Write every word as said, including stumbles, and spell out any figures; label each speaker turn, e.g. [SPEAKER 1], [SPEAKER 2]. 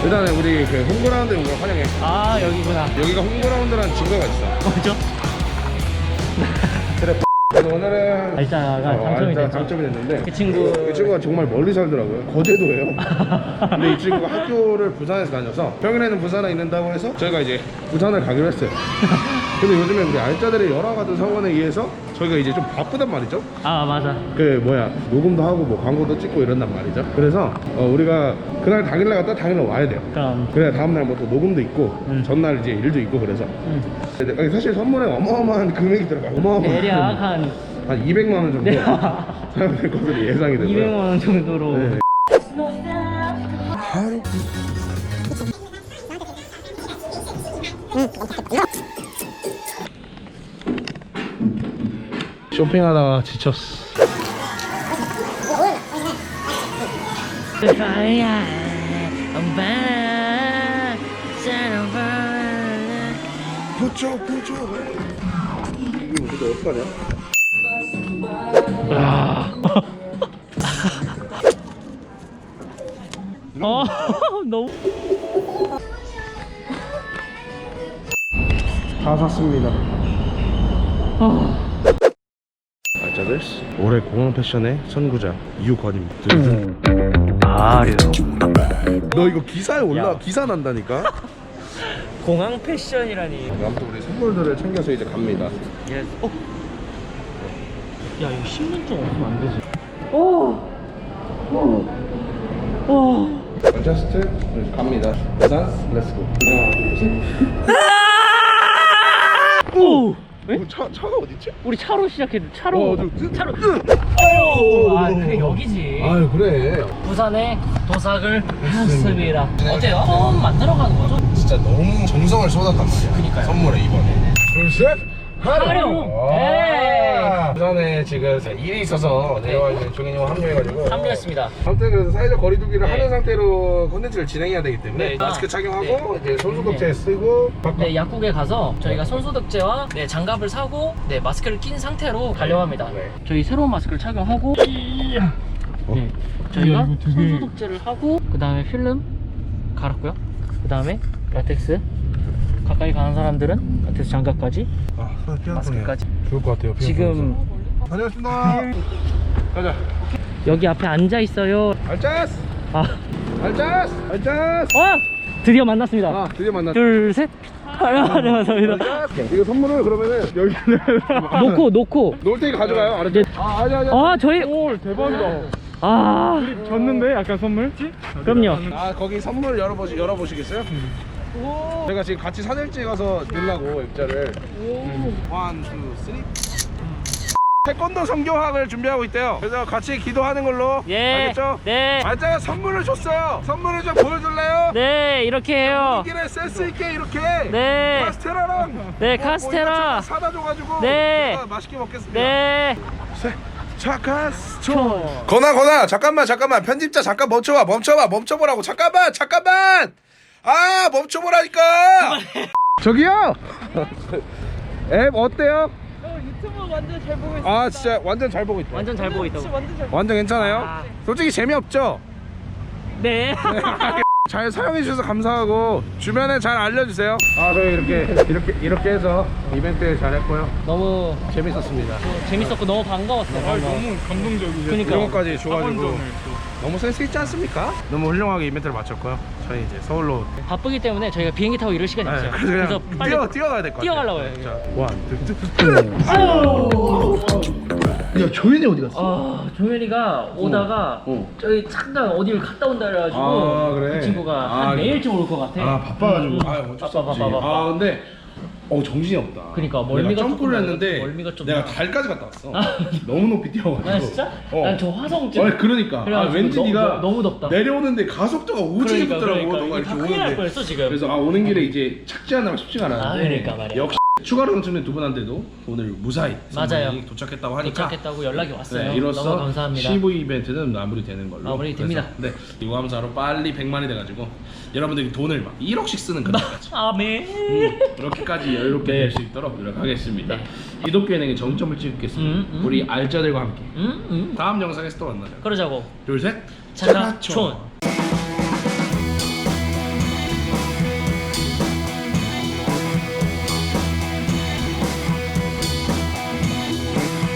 [SPEAKER 1] 일단은 우리 그 홈그라운드에 온 걸 환영해.
[SPEAKER 2] 아 여기구나.
[SPEAKER 1] 여기가 홈그라운드라는 증거가 있어.
[SPEAKER 2] 뭐죠?
[SPEAKER 1] 그래. 그래서 오늘은
[SPEAKER 2] 알짜가 당첨이
[SPEAKER 1] 알짜
[SPEAKER 2] 됐죠.
[SPEAKER 1] 당첨이 됐는데
[SPEAKER 2] 그 친구
[SPEAKER 1] 이 친구가 정말 멀리 살더라고요. 거제도예요. 근데 이 친구가 학교를 부산에서 다녀서 평일에는 부산에 있는다고 해서 저희가 이제 부산을 가기로 했어요. 근데 요즘에 우리 알짜들의 여러 가지 상황에 의해서 저희가 이제 좀 바쁘단 말이죠.
[SPEAKER 2] 아 맞아.
[SPEAKER 1] 그 뭐야 녹음도 하고 뭐 광고도 찍고 이런단 말이죠. 그래서 어, 우리가 그날 당일날 갔다 당일날 와야 돼요.
[SPEAKER 2] 그럼
[SPEAKER 1] 그래 다음날 뭐 또 녹음도 있고
[SPEAKER 2] 음.
[SPEAKER 1] 전날 이제 일도 있고 그래서
[SPEAKER 2] 음.
[SPEAKER 1] 근데 사실 선물에 어마어마한 금액이 들어가요. 어마어마한
[SPEAKER 2] 대략 한
[SPEAKER 1] 한 이백만 원 정도
[SPEAKER 2] 네.
[SPEAKER 1] 사용될 것으로 예상이 되고요.
[SPEAKER 2] 이백만 원 정도로.
[SPEAKER 1] 네. 쇼핑하다가 지쳤어. 부쩍 부쩍. 이게 무슨 어떡하냐?
[SPEAKER 2] 아. 어 너무.
[SPEAKER 1] 다 샀습니다.
[SPEAKER 2] 아.
[SPEAKER 1] 알짜들 올해 공항 패션의 선구자 이유권입니다.
[SPEAKER 2] 아
[SPEAKER 1] 너 이거 기사에 올라
[SPEAKER 2] 야.
[SPEAKER 1] 기사 난다니까.
[SPEAKER 2] 공항 패션이라니.
[SPEAKER 1] 아무튼 우리 선물들을 챙겨서 이제 갑니다.
[SPEAKER 2] 예. 어. 야 이거 십 년 좀 없으면 안 되지. 오. 오. 오.
[SPEAKER 1] 맨체스터 갑니다. 부산 렛츠고. 하나 둘 셋.
[SPEAKER 2] 오. 왜?
[SPEAKER 1] 어, 차 차가 어디 있지?
[SPEAKER 2] 우리 차로 시작했는데 차로.
[SPEAKER 1] 어, 저-
[SPEAKER 2] 차로. 오. 아 그게 여기지.
[SPEAKER 1] 아유 그래.
[SPEAKER 2] 부산에 도착을 했습니다. 어때요? 처음 만들어가는 거죠?
[SPEAKER 1] 진짜 너무 정성을 쏟았단 말이야.
[SPEAKER 2] 그니까요.
[SPEAKER 1] 선물에 이번에. 둘 셋.
[SPEAKER 2] 활용!
[SPEAKER 1] 아, 부산에 지금 일이 있어서 내려와 있는 종현이 형 합류해가지고
[SPEAKER 2] 합류했습니다.
[SPEAKER 1] 아무튼 그래서 사회적 거리두기를
[SPEAKER 2] 네.
[SPEAKER 1] 하는 상태로 콘텐츠를 진행해야 되기 때문에
[SPEAKER 2] 네.
[SPEAKER 1] 마스크
[SPEAKER 2] 아,
[SPEAKER 1] 착용하고 이제 손소독제
[SPEAKER 2] 네.
[SPEAKER 1] 쓰고
[SPEAKER 2] 네, 약국에 가서 저희가 손소독제와 네, 장갑을 사고 네, 마스크를 낀 상태로 가려고 합니다.
[SPEAKER 1] 네.
[SPEAKER 2] 저희 새로운 마스크를 착용하고 네, 저희가 손소독제를 하고 그 다음에 필름 갈았고요. 그 다음에 라텍스 가까이 가는 사람들은 라텍스 장갑까지
[SPEAKER 1] 아, 손 피하고
[SPEAKER 2] 마스크까지.
[SPEAKER 1] 좋을 것 같아요.
[SPEAKER 2] 지금
[SPEAKER 1] 다녀왔습니다. 가자.
[SPEAKER 2] 여기 앞에 앉아 있어요.
[SPEAKER 1] 알짜스!
[SPEAKER 2] 아,
[SPEAKER 1] 알짜스! 알짜스!
[SPEAKER 2] 와! 드디어 만났습니다.
[SPEAKER 1] 아, 드디어 만났다.
[SPEAKER 2] 둘, 셋. 아, 네, 감사합니다.
[SPEAKER 1] 이거 선물을 그러면은 여기
[SPEAKER 2] 놓고, 놓고.
[SPEAKER 1] 놓을 테니까 가져가요. 알았죠?
[SPEAKER 2] 네.
[SPEAKER 1] 아, 아니 아니.
[SPEAKER 2] 아, 저희.
[SPEAKER 1] 오, 대박이다.
[SPEAKER 2] 아,
[SPEAKER 3] 줬는데 약간 선물?
[SPEAKER 2] 그럼요.
[SPEAKER 1] 아, 거기 선물 열어보시 열어보시겠어요? 제가 지금 같이 사진 찍어서 넣으려고 입자를. 원, 투, 쓰리. 태권도 성교학을 준비하고 있대요. 그래서 같이 기도하는 걸로.
[SPEAKER 2] 예.
[SPEAKER 1] 알겠죠?
[SPEAKER 2] 네.
[SPEAKER 1] 알짜가 선물을 줬어요. 선물을 좀 보여줄래요?
[SPEAKER 2] 네, 이렇게 해요.
[SPEAKER 1] 길에 센스 있게 이렇게.
[SPEAKER 2] 네.
[SPEAKER 1] 카스테라랑.
[SPEAKER 2] 네,
[SPEAKER 1] 뭐
[SPEAKER 2] 카스테라.
[SPEAKER 1] 이것저것 사다 줘가지고.
[SPEAKER 2] 네.
[SPEAKER 1] 제가 맛있게 먹겠습니다.
[SPEAKER 2] 네.
[SPEAKER 1] 차카스초. 건아 건아 잠깐만 잠깐만 편집자 잠깐 멈춰봐 멈춰봐 멈춰보라고 잠깐만 잠깐만 아 멈춰보라니까. 저기요. 앱 어때요?
[SPEAKER 3] 유튜브 완전 잘 보고 있어요.
[SPEAKER 1] 아 진짜 완전 잘 보고 있다.
[SPEAKER 2] 완전 잘 보고 있다고.
[SPEAKER 3] 완전 잘.
[SPEAKER 1] 완전 괜찮아요?
[SPEAKER 2] 아.
[SPEAKER 1] 솔직히 재미없죠?
[SPEAKER 2] 네.
[SPEAKER 1] 잘 사용해 주셔서 감사하고 주변에 잘 알려주세요. 아 저희 이렇게 이렇게 이렇게 해서 이벤트 잘 했고요.
[SPEAKER 2] 너무
[SPEAKER 1] 재밌었습니다.
[SPEAKER 2] 재밌었고 너무 반가웠어요.
[SPEAKER 3] 아, 너무 감동적이죠.
[SPEAKER 2] 그러니까.
[SPEAKER 1] 이런 것까지 줘가지고
[SPEAKER 3] 학원전을 또.
[SPEAKER 1] 너무 센스 있지 않습니까? 너무 훌륭하게 이벤트를 마쳤고요. 저희 이제 서울로
[SPEAKER 2] 바쁘기 때문에 저희가 비행기 타고 이럴 시간이
[SPEAKER 1] 네,
[SPEAKER 2] 없어요.
[SPEAKER 1] 그래서 그냥
[SPEAKER 2] 그래서 빨리
[SPEAKER 1] 뛰어 뛰어가야 될 것 같아요.
[SPEAKER 2] 뛰어가려고 해요.
[SPEAKER 1] 자, 원, 투, 쓰리. 야 조현이 어디 갔어?
[SPEAKER 2] 아, 종현이가 오다가
[SPEAKER 1] 어.
[SPEAKER 2] 저희 잠깐 어디를 갔다 온다 그래가지고
[SPEAKER 1] 아, 그래?
[SPEAKER 2] 그 친구가
[SPEAKER 1] 아,
[SPEAKER 2] 한 내일쯤 올 것 같아.
[SPEAKER 1] 아 바빠가지고.
[SPEAKER 2] 음, 음.
[SPEAKER 1] 아 어쩔 수
[SPEAKER 2] 바빠,
[SPEAKER 1] 없지.
[SPEAKER 2] 바빠, 바빠.
[SPEAKER 1] 아 근데 어 정신이 없다.
[SPEAKER 2] 그러니까
[SPEAKER 1] 내가
[SPEAKER 2] 멀미가
[SPEAKER 1] 점프를
[SPEAKER 2] 조금
[SPEAKER 1] 했는데
[SPEAKER 2] 멀미가 좀
[SPEAKER 1] 내가
[SPEAKER 2] 나.
[SPEAKER 1] 달까지 갔다 왔어.
[SPEAKER 2] 아.
[SPEAKER 1] 너무 높이 뛰어가지고.
[SPEAKER 2] 나 진짜?
[SPEAKER 1] 어.
[SPEAKER 2] 난 저 화성쯤.
[SPEAKER 1] 아니 그러니까. 아,
[SPEAKER 2] 그래가지고
[SPEAKER 1] 왠지
[SPEAKER 2] 너-
[SPEAKER 1] 네가
[SPEAKER 2] 너- 너무 덥다.
[SPEAKER 1] 내려오는데 가속도가 오지게
[SPEAKER 2] 그러니까,
[SPEAKER 1] 붙더라고.
[SPEAKER 2] 그러니까.
[SPEAKER 1] 너가
[SPEAKER 2] 이거 다
[SPEAKER 1] 이렇게
[SPEAKER 2] 큰일 날
[SPEAKER 1] 오는데.
[SPEAKER 2] 뻔했어 지금.
[SPEAKER 1] 그래서 아 오는 길에 이제 착지하느라 쉽지가 않았는데.
[SPEAKER 2] 아, 그러니까 말이야.
[SPEAKER 1] 역시 추가로 당첨된 두 분한테도 오늘 무사히
[SPEAKER 2] 맞아요.
[SPEAKER 1] 선물이 도착했다고 하니까.
[SPEAKER 2] 도착했다고 연락이 왔어요.
[SPEAKER 1] 네, 이로써
[SPEAKER 2] 너무 감사합니다.
[SPEAKER 1] 씨브이 이벤트는 마무리되는 걸로.
[SPEAKER 2] 마무리됩니다.
[SPEAKER 1] 그래서, 네, 이거 하면서 빨리 백만이 돼가지고 여러분들이 돈을 막 일억씩 쓰는 그날까지
[SPEAKER 2] 아멘.
[SPEAKER 1] 음, 그렇게까지 여유롭게
[SPEAKER 2] 네.
[SPEAKER 1] 될 수 있도록 노력하겠습니다. 기독교은행의 정점을 찍겠습니다.
[SPEAKER 2] 음, 음.
[SPEAKER 1] 우리 알짜들과 함께
[SPEAKER 2] 음, 음.
[SPEAKER 1] 다음 영상에서 또 만나자.
[SPEAKER 2] 그러자고.
[SPEAKER 1] 둘, 셋.
[SPEAKER 2] 차가촌.